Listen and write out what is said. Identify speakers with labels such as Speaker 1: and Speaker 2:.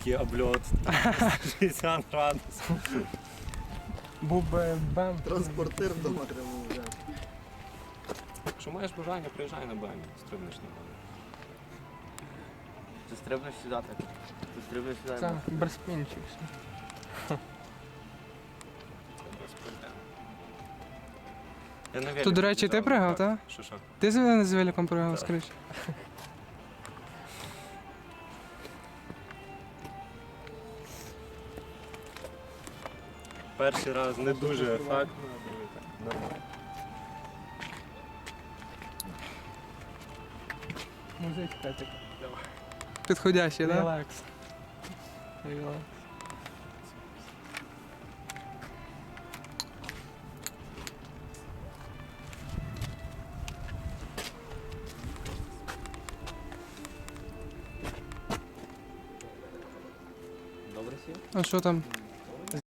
Speaker 1: Великий обльот, 60 градусів.
Speaker 2: Був би БЕМ.
Speaker 3: Транспортир вдома треба взяти.
Speaker 1: Якщо маєш бажання, приїжджай на БМ, стрибнеш на БМ.
Speaker 4: Ти стрибнеш сюди так. Ти стрибнеш сюди.
Speaker 2: Це берспінчик.
Speaker 1: Я на велику
Speaker 2: Тут, до речі, ти
Speaker 1: їжджав,
Speaker 2: пригав, так?
Speaker 1: Що?
Speaker 2: Ти з великом пригав,
Speaker 1: Так.
Speaker 2: скоріше?
Speaker 1: Перший раз не дуже ефектно. Нормально.
Speaker 2: Музичка така. Підходящий, так?
Speaker 3: Релакс.
Speaker 2: Релакс.
Speaker 4: Добре сів?
Speaker 2: А що там?